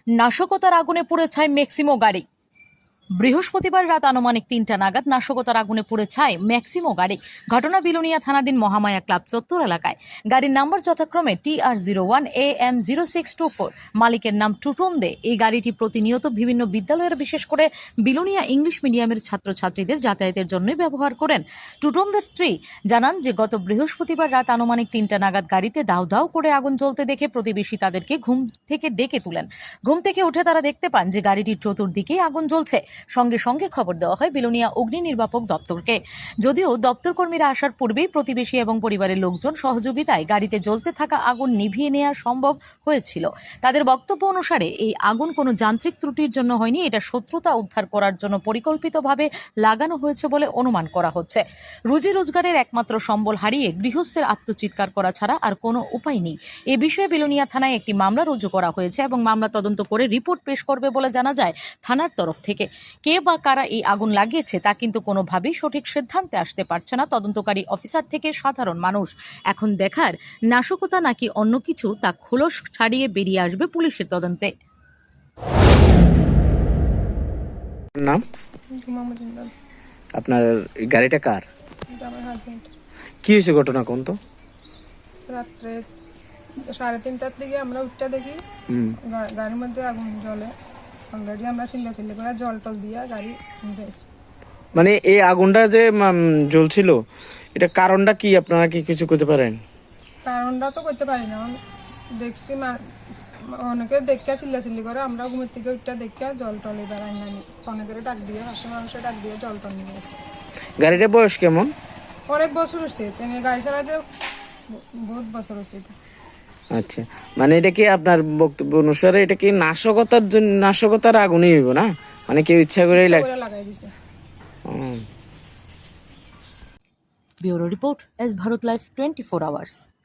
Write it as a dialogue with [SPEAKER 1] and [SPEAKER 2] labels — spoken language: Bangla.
[SPEAKER 1] নাশকতার আগুনে পুড়ে ছাই ম্যাক্সিমো গাড়ি। বৃহস্পতিবার রাত আনুমানিক ৩টা নাগাদ নাশকতার আগুনে পুড়ে ছাই ম্যাক্সিমো গাড়ি। ঘটনা বিলোনিয়া থানাধীন মহামায়া ক্লাব চত্বর এলাকায়। গাড়ির নাম্বার যথাক্রমে TR01 AM 0624। মালিকের নাম টুটন দে। এই গাড়িটি প্রতিনিয়ত বিভিন্ন বিদ্যালয়ের, বিশেষ করে বিলোনিয়া ইংলিশ মিডিয়ামের ছাত্রছাত্রীদের যাতায়াতের জন্যই ব্যবহার করেন। টুটনদের স্ত্রী জানান যে গত বৃহস্পতিবার রাত আনুমানিক ৩টা নাগাদ গাড়িতে দাউ দাউ করে আগুন জ্বলতে দেখে প্রতিবেশী তাদেরকে ঘুম থেকে ডেকে তুলেন। ঘুম থেকে উঠে তারা দেখতে পান যে গাড়িটির চতুর্দিকেই আগুন জ্বলছে। সঙ্গে সঙ্গে খবর দেওয়া হয় বিলোনিয়া অগ্নি নির্বাপক দপ্তরকে। যদিও দপ্তর কর্মীরা আসার পূর্বেই প্রতিবেশী এবং পরিবারের লোকজন সহযোগিতায় গাড়িতে জ্বলতে থাকা আগুন নিভিয়ে নেওয়া সম্ভব হয়েছিল। তাদের বক্তব্য অনুসারে এই আগুন কোনো যান্ত্রিক ত্রুটির জন্য হয়নি, এটা শত্রুতা উদ্ধার করার জন্য পরিকল্পিতভাবে লাগানো হয়েছে বলে অনুমান করা হচ্ছে। রুজি রোজগারের একমাত্র সম্বল হারিয়ে গৃহস্থের আত্মচিৎকার করা ছাড়া আর কোনো উপায় নেই। এ বিষয়ে বিলোনিয়া থানায় একটি মামলা রুজু করা হয়েছে এবং মামলা তদন্ত করে রিপোর্ট পেশ করবে বলে জানা যায় থানার তরফ থেকে। কে বা কারা এই আগুন লাগিয়েছে তা কিন্তু কোনোভাবেই সঠিক সিদ্ধান্তে আসতে পারছে না তদন্তকারী অফিসার থেকে সাধারণ মানুষ। এখন দেখার নাশকতা নাকি অন্য কিছু তা খোলস ছাড়িয়ে বেরিয়ে আসবে পুলিশের তদন্তে।
[SPEAKER 2] নাম? আপনার গাড়িটা কার? কি হয়েছে ঘটনা কোন তো?
[SPEAKER 3] রাত্রে 3:30টার দিকে আমরা উঠতে দেখি গাড়ির মধ্যে আগুন জ্বলে। অলরেডি আমরা চিল্লাচিল্লি করে জল টল দিয়ে গাড়ি নিয়েছি।
[SPEAKER 2] মানে এই আগুনটা যে জ্বলছিল, এটা কারণটা কি আপনারা কি কিছু করতে পারেন?
[SPEAKER 3] কারণটা তো করতে পারি না, দেখছি অনেকে দেখে চিল্লাচিল্লি করে, আমরা ঘুমের থেকে উঠতে দেখে জল টল এবার আনি অনেকের ডাক দিয়ে পাশে মানুষের ডাক দিয়ে জল টল নিয়ে আসে।
[SPEAKER 2] গাড়িটার বয়স কেমন?
[SPEAKER 3] অনেক বছর হচ্ছে, তিনি গাড়ি চালাতে বহুত বছর হচ্ছে।
[SPEAKER 2] আচ্ছা, মানে এটা কি আপনার বক্তব্য অনুসারে এটা কি নাশকতার জন্য, নাশকতার আগুনই হইব না? মানে কেউ ইচ্ছা করে
[SPEAKER 3] লাগাই দিছে।
[SPEAKER 1] Bureau report, S Bharat live 24 hours.